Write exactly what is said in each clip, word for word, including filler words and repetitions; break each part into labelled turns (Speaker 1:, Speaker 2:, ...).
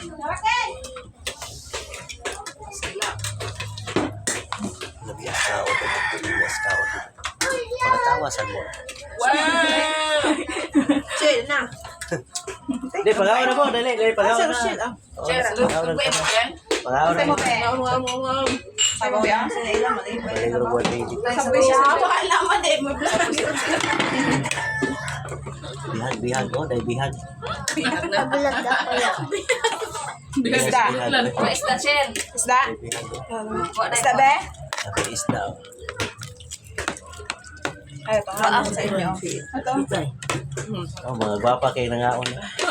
Speaker 1: Nabiyak ka o tumiwas ka o pagkatawasan mo.
Speaker 2: Wow!
Speaker 3: Chill na.
Speaker 1: Hindi, pagawa na mo. Dali, dali, pagawa na.
Speaker 3: Chill ah.
Speaker 1: Oo, pagawa na. Pagawa na.
Speaker 3: Wow, wow, wow, wow. Sabi mo yan? Sila ilang mali.
Speaker 1: Maligro buwan baby.
Speaker 3: Sabi siya, wala man eh.
Speaker 1: Bihag, bihag. Oh, dahil bihag.
Speaker 4: Nabulag ako yan.
Speaker 3: Isda.
Speaker 2: O, isda, Chen.
Speaker 3: Isda?
Speaker 1: Dahil bihag. oh.
Speaker 3: Isda be?
Speaker 1: Sabi isda. oh.
Speaker 3: Ay, pangalan sa inyo. Ito.
Speaker 1: Oh, mga gwapa kayo nangaon.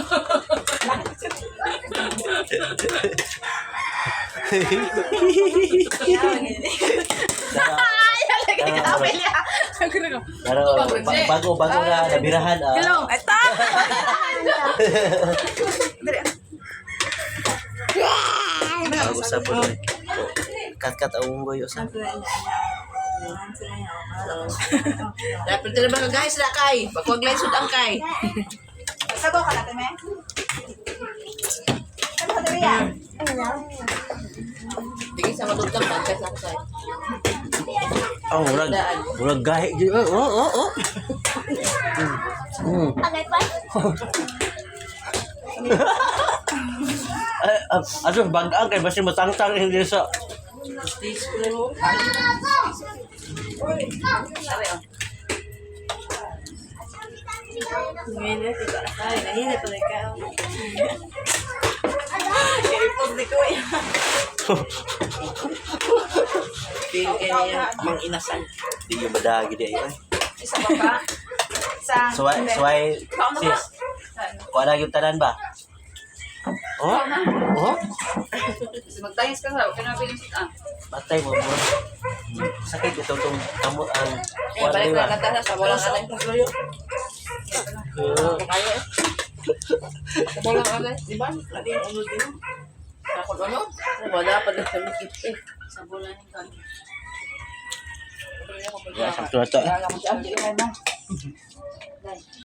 Speaker 1: Pero ba- bago, bago na nabirahan. ah.
Speaker 3: Hello. Ito.
Speaker 1: Bago sa puno. Kat-kat ang unggoy. Sa
Speaker 2: Dapat na ba guys, na kay? Pagwag lang sud ang kay.
Speaker 3: Sabaw ka natin, me? Ano ka dali yan?
Speaker 2: Tingin sa matutang pagkas lang kay.
Speaker 1: Oh, murag, murag gahi. Oh, oh, oh, oh. Mm.
Speaker 4: Agay pa.
Speaker 1: Ay, ah, aduh, bagaan kay basi matangtang hindi sa.
Speaker 2: Stage ko lang mo.
Speaker 3: Ngayon, ito. Ay, nahinit pa rin ka. Ipog di ko yan.
Speaker 2: Feel ka niya mang inasal.
Speaker 1: Di yung madagi di ay.
Speaker 3: Isa pa pa? Isa.
Speaker 1: Suway, suway, sis. Kuha na yung tanan ba? Oh? Oh?
Speaker 2: Magtayos ka sa, kaya nabiling sit ang.
Speaker 1: Batay mo mo. Sakit ito itong kamot ang
Speaker 2: Eh,
Speaker 1: kuha
Speaker 2: balik
Speaker 1: na
Speaker 2: na kata sa walang alay.
Speaker 1: Uh,
Speaker 2: Kaya eh. Sa walang alay. Di ba? Lagi yung ulo din. Ako ano? Wala pa na sa mikit eh. Sa bola ng kanya.
Speaker 1: sakto na to.
Speaker 2: Kaya lang ko siya. Hindi ka na.